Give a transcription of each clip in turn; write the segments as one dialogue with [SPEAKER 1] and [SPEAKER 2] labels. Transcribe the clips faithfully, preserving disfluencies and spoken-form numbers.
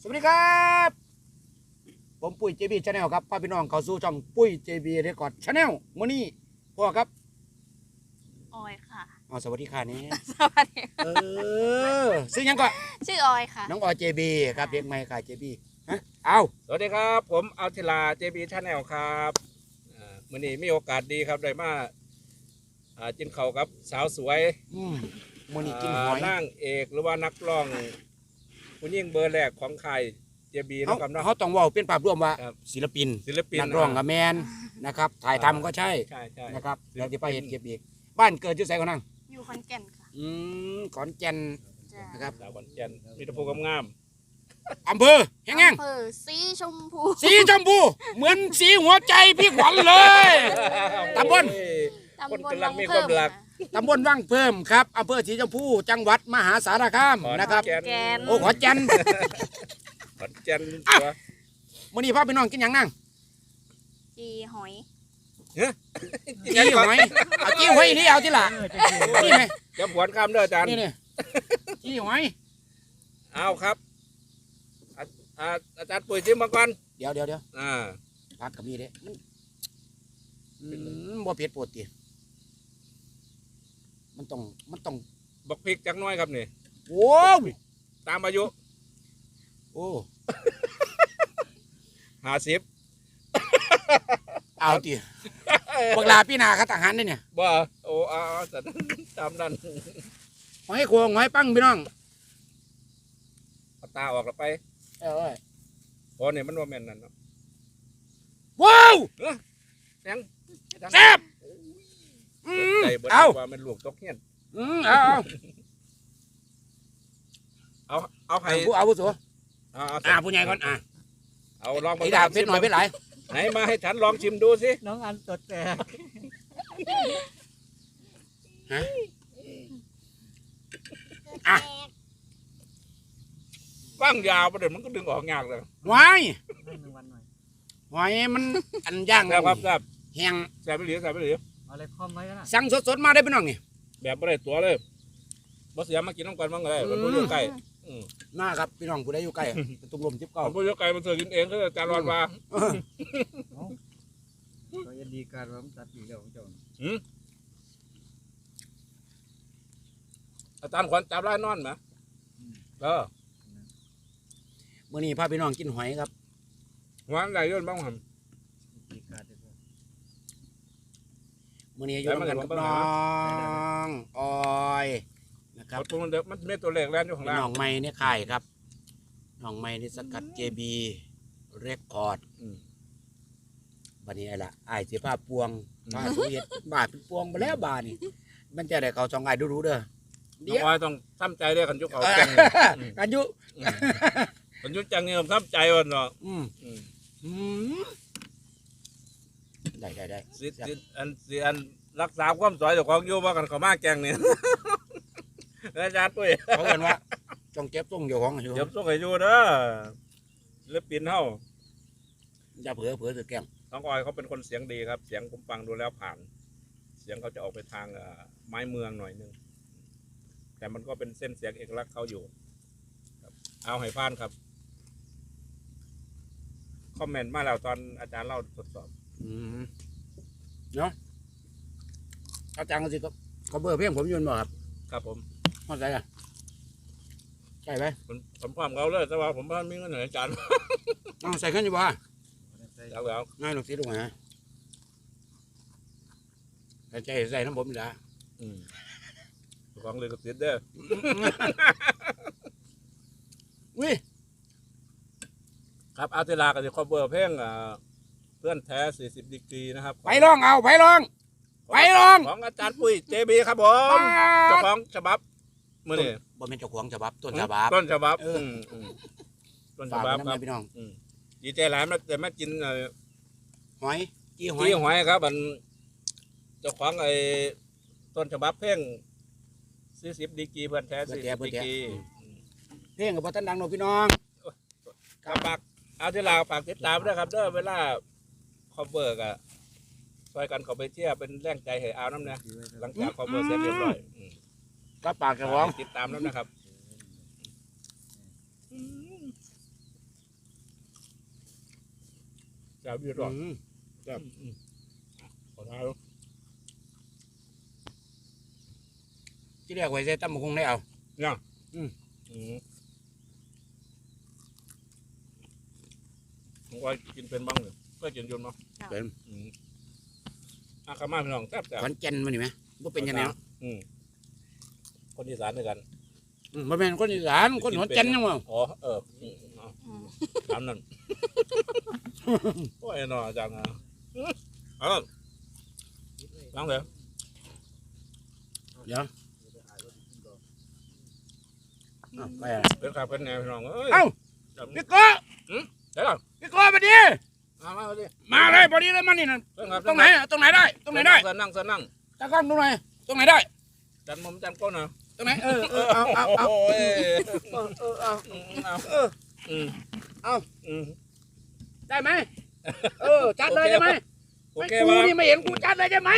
[SPEAKER 1] สวัสดีครับผมปุ้ย เจ บี Channel ครับพาพี่น้องเข้าสู่ช่องปุ้ย เจ บี Record Channel มื้อนี้พ่อครับ
[SPEAKER 2] ออยค่ะ
[SPEAKER 1] อ๋อสวัสดีค่ะนี่
[SPEAKER 2] สวัสดี
[SPEAKER 1] เออซื้อยังก่อน
[SPEAKER 2] ชื่อออยค่ะ
[SPEAKER 1] น้องออย เจ บี ครับเด็กใหม่ค่ะ เจ บี ฮะเอา
[SPEAKER 3] สวัสดีครับผมอัลทิลา เจ บี Channel ครับอ่ามื้อนี้มีโอกาสดีครับได้มาอ่ากินข้าวกับสาวสวย
[SPEAKER 1] อืมมื้อนี้กินหอย
[SPEAKER 3] นางเอกหรือว่านักร้องผู้หญิงเบอร์แรกของค่าย เจ บี
[SPEAKER 1] เขา
[SPEAKER 3] นะครับเนาะ
[SPEAKER 1] เขาต้องเว้าเป็นภาพรวมว่า
[SPEAKER 3] ครับ
[SPEAKER 1] ศิลปิน
[SPEAKER 3] ศิลปิน
[SPEAKER 1] นักร้องกับแมนนะครับถ่ายทำก็ใช่
[SPEAKER 3] ใช่ใช่
[SPEAKER 1] นะครับแล้วที่ไปเห็นเก็บอีกบ้านเกิดอยู่ไสก่อนนั่ง
[SPEAKER 2] อยู่ขอนแก่นค่ะ
[SPEAKER 1] อืมขอนแก่น
[SPEAKER 2] จ้ะ
[SPEAKER 1] นะครับ
[SPEAKER 3] สาวขอนแก่นมีแตะพูงาม
[SPEAKER 1] อำเภอแห้งแห้ง
[SPEAKER 2] อำเภอสีชมพู
[SPEAKER 1] สีชมพูเหมือนสีหัวใจพี่ขวัญเลย
[SPEAKER 3] ๆ
[SPEAKER 1] ตำบล
[SPEAKER 3] คน
[SPEAKER 2] ตำบล
[SPEAKER 3] กำลั
[SPEAKER 2] วั
[SPEAKER 3] ง
[SPEAKER 2] ง
[SPEAKER 3] มีค
[SPEAKER 2] เพิ่
[SPEAKER 3] วาม มรัก
[SPEAKER 1] ตำบลว่างเพิ่มครับอำเภอสีชมพูจังหวัดมหาสารคาม
[SPEAKER 3] ขอน
[SPEAKER 1] นะครับ
[SPEAKER 3] แก่
[SPEAKER 2] แกน
[SPEAKER 1] โอ้ขอนแก่น
[SPEAKER 3] ขอนแก่น
[SPEAKER 1] อ่ะ
[SPEAKER 3] ตัว
[SPEAKER 1] มื้อนี้พ่อพี่น้องกินหยังนั่ง
[SPEAKER 2] จีหอย
[SPEAKER 1] จี้หอยเอาจี้หอยนี่เอาที่ละนี่ไหม
[SPEAKER 3] จะผวนคำเด้ออาจารย์
[SPEAKER 1] นี่นี่จี้หอย
[SPEAKER 3] เอาครับอาอ่าอาจารย์ปุ๋ยชิมมาก่อน
[SPEAKER 1] เดี๋ยวเดี๋ยวเดี๋ยว
[SPEAKER 3] อ่า
[SPEAKER 1] ผักกับมีเด้มันอืมบ่เผ็ดปวดติมันต้องมันต้อง
[SPEAKER 3] บักพริกจักหน้อยครับนี่
[SPEAKER 1] โอ้ว
[SPEAKER 3] ตามอายุ
[SPEAKER 1] โอ้
[SPEAKER 3] ห้าสิบ
[SPEAKER 1] เอาติบักลาพี่นาคัดอาหารได้เนี่ย
[SPEAKER 3] บ่โอ้เอาเอาแต่ตามนั้น
[SPEAKER 1] หอยโขงหอยปังพี่น้อง
[SPEAKER 3] เอาตาออกแล้วไป
[SPEAKER 1] เอ้ย
[SPEAKER 3] พอเนี่ยมันว่าแม่นนั่นเนาะ
[SPEAKER 1] ว้าว
[SPEAKER 3] แสง
[SPEAKER 1] แซ่บอืม
[SPEAKER 3] ใจเบิด
[SPEAKER 1] เอา
[SPEAKER 3] ว่ามันลูกตกเฮียน
[SPEAKER 1] อืมเอาเอา
[SPEAKER 3] เอาเอาให้
[SPEAKER 1] ให้ผู้อาวุโส
[SPEAKER 3] เอาเอา
[SPEAKER 1] อ่าผู้ใหญ่ก่อนอ่า
[SPEAKER 3] เอาลอง
[SPEAKER 1] ไอ้ดาบเพชรหน่อยเพชรหลาย
[SPEAKER 3] ไหนมาให้ฉันลองชิมดูสิ
[SPEAKER 4] น้องอันตดแต่
[SPEAKER 1] ฮะอ่ะ
[SPEAKER 3] ฟังยาวประเดี๋ยวมันก็ดึงออกยากเลย
[SPEAKER 1] หอย
[SPEAKER 4] ให้หนึ่งวันหน่อย
[SPEAKER 1] หอยมันอันย่าง
[SPEAKER 3] แซ่บครับแซ่บ
[SPEAKER 1] แห้ง
[SPEAKER 3] แซ่บไปเหลือแซ่บไปเหลือ
[SPEAKER 4] เอาอะไรคอมไว้ก็ได้
[SPEAKER 1] สั่งสดๆมาได้พี่น้องนี่
[SPEAKER 3] แบบไม่ได้ตัวเลยบ่เสียมากินน้ำกันบ้างเลยมันผู้อยู่ใกล้อืม
[SPEAKER 1] มาครับพี่น้องผู้ใดอยู่ใกล้เป็นตุ่มลมทิพย์เก่า
[SPEAKER 3] มันผู้อยู่ไกลมันเสือกินเองก็อาจารย์รอนมา
[SPEAKER 4] ก็จะดีการว่ามันตัดอีกแล้วของเจ้า
[SPEAKER 3] อาจารย์ขวัญจับไล่นอนไหมเออ
[SPEAKER 1] มื่อนี้พาพี่น้องกินหอยครับ
[SPEAKER 3] หัวไหลย่นบ้างหัน
[SPEAKER 4] ดีการได้ด้วย
[SPEAKER 1] มื่อนี้อยู่
[SPEAKER 3] ได้มา
[SPEAKER 1] กับ
[SPEAKER 3] กัน
[SPEAKER 1] น้
[SPEAKER 3] บ้าง
[SPEAKER 1] องออยนะครั
[SPEAKER 3] เอา
[SPEAKER 1] บ
[SPEAKER 3] ตัวมันเด็กมันไม่ตัวเล็กแล้วอยู่ข้าง
[SPEAKER 1] เป็น
[SPEAKER 3] ล่าง
[SPEAKER 1] น้องไม้เนี่ยค่ายครับน้องไม้นี่สกัด เจ บี เรคคอร์ด
[SPEAKER 3] อืม
[SPEAKER 1] บัดนี้ไอ้ละไอ้ายสิผ้าปวงผ้าสุเวียดบาดเป็นปวงไปแล้วบาดนี่มันจะได้เขาจองไอ้ายดูๆเด้อ
[SPEAKER 3] น้
[SPEAKER 1] เดี๋
[SPEAKER 3] อง
[SPEAKER 1] ยว
[SPEAKER 3] ออยต้องทำใจด้วยกันยุคเขา
[SPEAKER 1] เออ
[SPEAKER 3] แก่ง
[SPEAKER 1] กันยุ
[SPEAKER 3] กันยุคจังเงี้ยทำใจวันเนาะ
[SPEAKER 1] อืม
[SPEAKER 3] อืม
[SPEAKER 1] อืมได้ได้ได้
[SPEAKER 3] สิสิอันสิอันรักษาความสวยเจ้าของอยู่ว่ากันเขามาแกงเนี่ย อาจารย์ปุ้ย
[SPEAKER 1] เขาเอิ้นว่าจงเก็บทรงเจ้าของอยู่
[SPEAKER 3] เดี๋ยวส่งให้อยู่เด้อศิลปินเฮา
[SPEAKER 1] อย่าเผลอเผลอถือแก้ม
[SPEAKER 3] น้องออยเขาเป็นคนเสียงดีครับ เสียงผมฟังดูแล้วผ่าน เสียงเขาจะออกไปทางเอ่อไม้เมืองหน่อยนึงแต่มันก็เป็นเส้นเสียงเอกลักษณ์เขาอยู่ครับเอาให้ผ่านครับคอมเมนต์มาแล้วตอนอาจารย์เล่าทดสอบ
[SPEAKER 1] อืมเนาะอาจารย์ก็สิก็ก็เบอร์เพียงผมอยืนบ่ครับ
[SPEAKER 3] ครับผม
[SPEAKER 1] เข้าใจอ่ะใช่ไหม
[SPEAKER 3] ผมผมพร้อมเขาเลยแต่ว่าผมพ่มีเงินเหนืออาจารย์
[SPEAKER 1] เอาใส่ขึ้นอยู่บ่
[SPEAKER 4] ใส่
[SPEAKER 3] แล้วแล้ว
[SPEAKER 1] ง่ายหนุกสิลูกฮะใส่ใจใส่น้ำผมนี่ละ
[SPEAKER 3] อืมของเลยก็ติดเด้อ
[SPEAKER 1] วิ
[SPEAKER 3] ครับอาร์ติลาก็จะคอเบอร์เพลงอ่าเพื่อนแท้สี่สิบดีกรีนะครับ
[SPEAKER 1] ไปลองเอาไปลอง ไปลอง
[SPEAKER 3] ของอาจารย์ปุ้ยเจบีครับผมเจ้าของฉบับมื่อนี้
[SPEAKER 1] บ่เป็นเจ้าของฉบับต้นฉบับ
[SPEAKER 3] ต้นฉบับ
[SPEAKER 1] เอออื
[SPEAKER 3] มอืมต้นฉ
[SPEAKER 1] ฝาก
[SPEAKER 3] บั
[SPEAKER 1] ไว้
[SPEAKER 3] บ ครับ
[SPEAKER 1] น้ำแม่พี่น้อง
[SPEAKER 3] อืมดีใจหลายมาแต่มากินเอ่อ
[SPEAKER 1] หอยจี้หอย
[SPEAKER 3] ที่หอยครับมันเจ้าของไอ้ต้นฉบับเพลงสี่สิบดีกรีเพื่อนแท้สี่สิบดีกรี
[SPEAKER 1] เพลงกับบ่ทันดังหนอกพี่น้อง
[SPEAKER 3] ครับฝากอาร์ติลาฝากติดตามด้วยครับเด้อเวลาคอเบอร์กะช่วยกันเขาไปเที่ยวเป็นแรงใจให้เอาน้ำเนี่ยหลังจากคอเบอร์เสร็จเรียบร้อยอืม
[SPEAKER 1] รับปากเจ้าของ
[SPEAKER 3] ติดตามแล้วนะครับจะพี่รอด
[SPEAKER 1] อืม
[SPEAKER 3] จะขอท้ายแล้ว
[SPEAKER 1] ที่เรียกไว้ใส่ตำบักหุ่งได้เอา
[SPEAKER 3] ยัง
[SPEAKER 1] อืม
[SPEAKER 3] อืมผมว่ากินเป็นบ้างเลยก็กินจนมา
[SPEAKER 1] เป็น
[SPEAKER 3] อืมอาคามาพี่น้องแซ่บแซ่บ
[SPEAKER 1] ขอนแก่นมานี่ไหมบ่เป็นยังไงเนาะ
[SPEAKER 3] อืมคนอีสานด้วยกัน
[SPEAKER 1] อืมบ่แม่นคนอีสานคนขอนแก่นยังบ่
[SPEAKER 3] อ๋อเอออืมเอา
[SPEAKER 2] อืม
[SPEAKER 3] ถามนั่นโอ้ยนออาจารย์นะเออล้างเลย
[SPEAKER 1] เดี๋ยวอ้าวไปอ่ะ
[SPEAKER 3] เป็นขับเป็นแนวพี่น้องเอ้ย
[SPEAKER 1] เอ้า
[SPEAKER 3] จำ
[SPEAKER 1] พี่โก้
[SPEAKER 3] เดี๋ยวก่อน
[SPEAKER 1] พี่โก้มาดิ
[SPEAKER 3] มามาดิ
[SPEAKER 1] มาเลยพอดีเลยมานี่น่ะ
[SPEAKER 3] เป็นขับ
[SPEAKER 1] ตรงไหนอ่ะตรงไหนได้ตรงไหนได้
[SPEAKER 3] เส้นนั่งเส้นนั่ง
[SPEAKER 1] ตะก้อนตรงไหนตรงไหนได้
[SPEAKER 3] จันมุมจันก้นนะ
[SPEAKER 1] ตรงไหนเออเออเอาเอาเอา
[SPEAKER 3] โอ้ย
[SPEAKER 1] เออเออเอา
[SPEAKER 3] อืมเอา
[SPEAKER 1] เออ
[SPEAKER 3] อืม
[SPEAKER 1] เอา
[SPEAKER 3] อืม
[SPEAKER 1] ได้ไหมเออจัดเลยได้ไหม
[SPEAKER 3] โอเค
[SPEAKER 1] กู
[SPEAKER 3] ป่ะ
[SPEAKER 1] นี่ไม่เห็นกูจัดเลยได้ไหม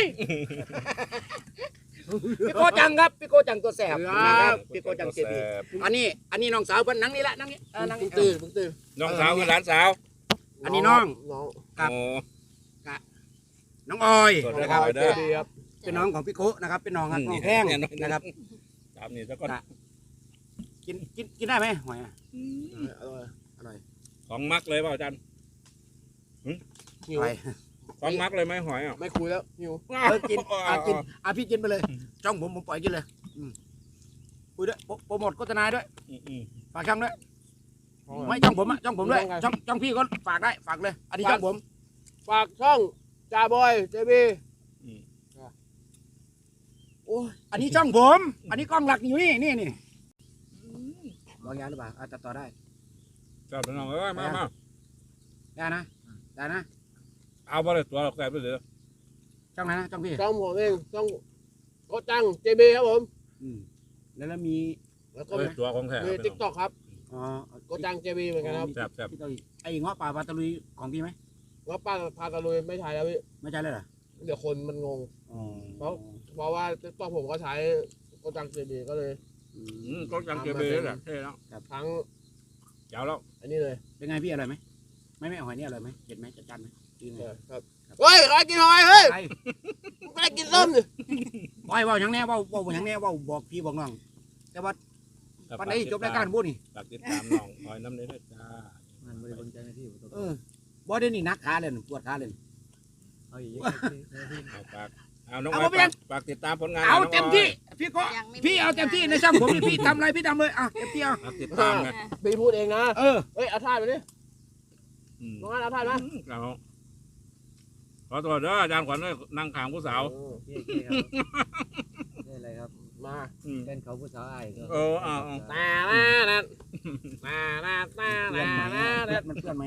[SPEAKER 1] พี่โกจังครับพี่โกจังตัวแสบนะครับพี่โกจังเจดีอันนี้อันนี้น้องสาวเพิ่นนั่งนี่ละนั่งนี่เออนั่งนี่ตื่นตื่น
[SPEAKER 3] น้องสาวกับหลานสาว
[SPEAKER 1] อันนี้น้อง
[SPEAKER 4] น้อง
[SPEAKER 1] ครับ
[SPEAKER 3] โอ้
[SPEAKER 1] น้องออย
[SPEAKER 3] สวัสดี
[SPEAKER 1] นะ
[SPEAKER 3] ค
[SPEAKER 1] ค
[SPEAKER 3] รั
[SPEAKER 1] รั
[SPEAKER 3] บบ เด้อ
[SPEAKER 4] ดีครับ
[SPEAKER 1] เป็นน้องของพี่โกนะครับเป็นน้องครับน้องแพงนะครับ
[SPEAKER 3] ถามนี่แล้วก็
[SPEAKER 1] กินกินกินได้ไหมหอยอ่ะอร่อยอร่อย
[SPEAKER 3] ของมักเลยเปล่าจัน
[SPEAKER 4] หิว
[SPEAKER 1] ไป
[SPEAKER 3] ของมักเลยไหมหอยอ่ะ
[SPEAKER 4] ไม่คุยแล้วหิว
[SPEAKER 1] เออกินอ่ะกินอ่ะพี่กินไปเลยจ้องผมผมปล่อยกินเลยอืมคุยด้วยโปรโปรโมทโฆษณาด้วย
[SPEAKER 3] อืมอืม
[SPEAKER 1] ฝากช่องด้วยไม่จ้องผมอ่ะจ้องผมด้วยจ้องจ้องพี่ก็ฝากได้ฝากเลยอันนี้จ้องผม
[SPEAKER 4] ฝากช่องจ่าบอยเจบี
[SPEAKER 3] อืม
[SPEAKER 1] โอ้ยอันนี้ช่องผมอันนี้กล้องหลักอยู่นี่นี่นี่ลองยาหรือเปล่าอ่ะตัดต่อได้
[SPEAKER 3] จับน้องเอ้ยมามา
[SPEAKER 1] ได้นะได้นะ
[SPEAKER 3] เอาไปเลยตัวเราแกไปเลย
[SPEAKER 1] ช่องไหนนะช่องพี่
[SPEAKER 4] ช่องผมเองช่องโคจังเจบีครับผม
[SPEAKER 1] อืมแล้วแล้วมี
[SPEAKER 4] แล้วก็
[SPEAKER 3] เอ้ยตัวของแท้
[SPEAKER 4] มีติ๊กต็อกครับ
[SPEAKER 1] อ๋อ
[SPEAKER 4] โคจังเจบีเหมือนกันครับ
[SPEAKER 3] แซ่บแซ่บ
[SPEAKER 1] พี่ตะลุยไอ้เงาะป่าปลาตะลุยของพี่ไหม
[SPEAKER 4] ว่าป้าพาตะลุยไม่ใช้แล้วพี่
[SPEAKER 1] ไม่ใช่เลยเหรอ
[SPEAKER 4] เดี๋ยวคนมันงง
[SPEAKER 1] อ๋อ
[SPEAKER 4] เพราะ เพราะว่าติ๊กต็อกผมก็ใช้โคจังเจบีก็เลย
[SPEAKER 1] อื
[SPEAKER 3] อืม
[SPEAKER 1] ม
[SPEAKER 3] ก็จังเกเบแหละเท่แล้ว
[SPEAKER 4] ทั้ง
[SPEAKER 3] เจ้าแล้ว
[SPEAKER 4] อันนี้เลย
[SPEAKER 1] เป็นไงพี่อร่อยไหมไม่ไม่หอยนี่อร่อยไหมเด็ดไหมจัดจ้านไหมดีไง
[SPEAKER 4] ครับเฮ้ยใครกินหอยเฮ้ย
[SPEAKER 1] ไอ้
[SPEAKER 4] ใครกินส้มดิ
[SPEAKER 1] บอยเว่าอย่างแน่เว่าเว่าอย่างแน่เว่าบอกพี่บอกน้องแต่ว่าวันไหนจบรายการพูดนี่
[SPEAKER 3] ฝากติดตามน้องหอยน้ำเนื้อจ้า
[SPEAKER 4] มันบริบทใจหน้าที่ผมต้อง
[SPEAKER 1] เออบ่ได้นี่นักขาเลยปวดขาเลย
[SPEAKER 4] เอาอีก
[SPEAKER 3] เอาฝากเอาน้อง
[SPEAKER 1] เอา
[SPEAKER 3] หอย
[SPEAKER 1] ไปยัง
[SPEAKER 3] ฝากฝากติดตามผลงาน
[SPEAKER 1] เอา
[SPEAKER 3] น้ง
[SPEAKER 1] เต็ม
[SPEAKER 3] หย
[SPEAKER 1] ที่พี่ก็
[SPEAKER 2] ยังไม่
[SPEAKER 1] พี่เอาเต็มที่ในช่างผมนี่พี่ทำอะไรพี่ทำเลยอ่ะเต็มที่เอา
[SPEAKER 3] ฝากติดตามไง
[SPEAKER 2] อ่ะ
[SPEAKER 4] พี่พูดเองนะ
[SPEAKER 1] เออ
[SPEAKER 4] เฮ้ยเอาท่าไปดิ
[SPEAKER 3] อืม
[SPEAKER 4] น้องอันเอาท่ามา
[SPEAKER 3] เอาขอตัวเด้ออาจารย์ขวัญด้วยนั่งขางผู้สาว
[SPEAKER 4] เก้ๆครับนี่อะไรครับ มา
[SPEAKER 3] อืม
[SPEAKER 4] เป็นเขาผู้สาวไอ้ก็
[SPEAKER 3] เออเอาเอา
[SPEAKER 4] ตาหน้านั่นตาหน้าตาห
[SPEAKER 1] เพื่อนไหม
[SPEAKER 4] น้านั่น
[SPEAKER 1] มันเพื่อนไหม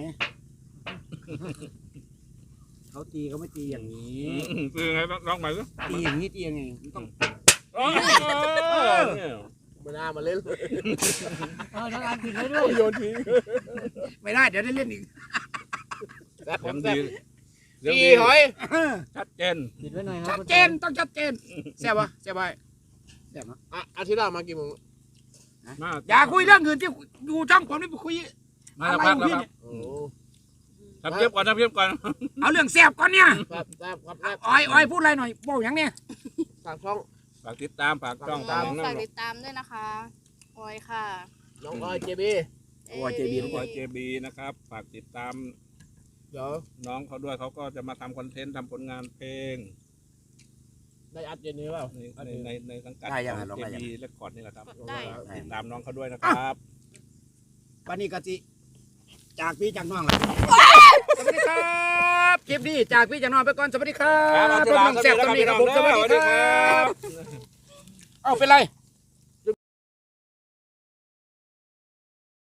[SPEAKER 1] เขาตีเขาไม่ตีอย่างนี้
[SPEAKER 3] อืมคือไงร้องใหม่สิ
[SPEAKER 1] ตีอย่างนี้ตียังไงมันต้อง
[SPEAKER 3] โอ้ยเนี่ย
[SPEAKER 4] ไม่น่ามาเล่นเลย
[SPEAKER 1] เอาทั้งอันผิดเลยด้วย
[SPEAKER 4] โยนทิ้ง
[SPEAKER 1] ไม่ได้เดี๋ยวได้เล่นอีก
[SPEAKER 4] แซ่บผ
[SPEAKER 3] เสีย
[SPEAKER 4] ม
[SPEAKER 3] ง
[SPEAKER 4] แซ่
[SPEAKER 3] ดี
[SPEAKER 4] บ
[SPEAKER 3] เสียง
[SPEAKER 4] อี
[SPEAKER 3] ดี
[SPEAKER 4] หอย
[SPEAKER 3] ชัดเจน
[SPEAKER 4] ปิดไว้หน่อยครั
[SPEAKER 1] ชั
[SPEAKER 4] บ
[SPEAKER 1] ดเจนต้องชัดเจนแซ่บปะแซ่บไปแซ่บเนาะ
[SPEAKER 4] อ่ะอาทิตย์หน้ามากี่โมง
[SPEAKER 3] มา
[SPEAKER 1] อย่าคุยเรื่องอื่นที่อยู่ช่องผมนี่ไปคุย
[SPEAKER 3] มาแล้วพักแล้วครับ
[SPEAKER 4] โอ้
[SPEAKER 3] ทำเทียบก่อนทำเทียบก่อน
[SPEAKER 1] เอาเรื่องแซ่บก่อนเนี่ย
[SPEAKER 4] แซ่บแซ่บครับแซ่บ
[SPEAKER 1] อ้อยอ้อยพูดอะไรหน่อยบอกอย่างเนี้ย
[SPEAKER 4] ฝากช่อง
[SPEAKER 3] ฝากติดตามฝากจ้อง
[SPEAKER 2] อ๋
[SPEAKER 3] ตาม
[SPEAKER 2] อ
[SPEAKER 3] น้อง
[SPEAKER 2] ฝาก
[SPEAKER 3] น้อง
[SPEAKER 2] ติดตามด้วยนะคะออยค่ะ
[SPEAKER 4] น้องออยเจบี
[SPEAKER 1] โอ้ยเจบี
[SPEAKER 3] น้องบอยเจบีนะครับฝากติดตาม
[SPEAKER 4] เดี๋ยว
[SPEAKER 3] น้องเขาด้วยเขาก็จะมาทำคอนเทนต์ทำผลงานเพลง
[SPEAKER 4] ได้อัดเย็นนี้เปล่า
[SPEAKER 3] ในในในในสังกัด
[SPEAKER 1] ได้ยัง
[SPEAKER 3] ข
[SPEAKER 1] ไง
[SPEAKER 3] อง
[SPEAKER 1] ลอง
[SPEAKER 3] เจ
[SPEAKER 1] ได้ยัง
[SPEAKER 3] บีเรคคอร์ดนี่แหละครับ
[SPEAKER 2] ได้
[SPEAKER 3] ติดตามน้องเขาด้วยนะครับ
[SPEAKER 1] วันนี้กะจิจากพี่จากน้องล่ะสวัสดีครับคลิปนี้จากพี่จากน้องไปก่อนสวัสดีครับ
[SPEAKER 3] ครับ
[SPEAKER 1] เพิ่มน้องแซ่บตรงนี้ครับผมสวัสดีครับเอาเป็นไร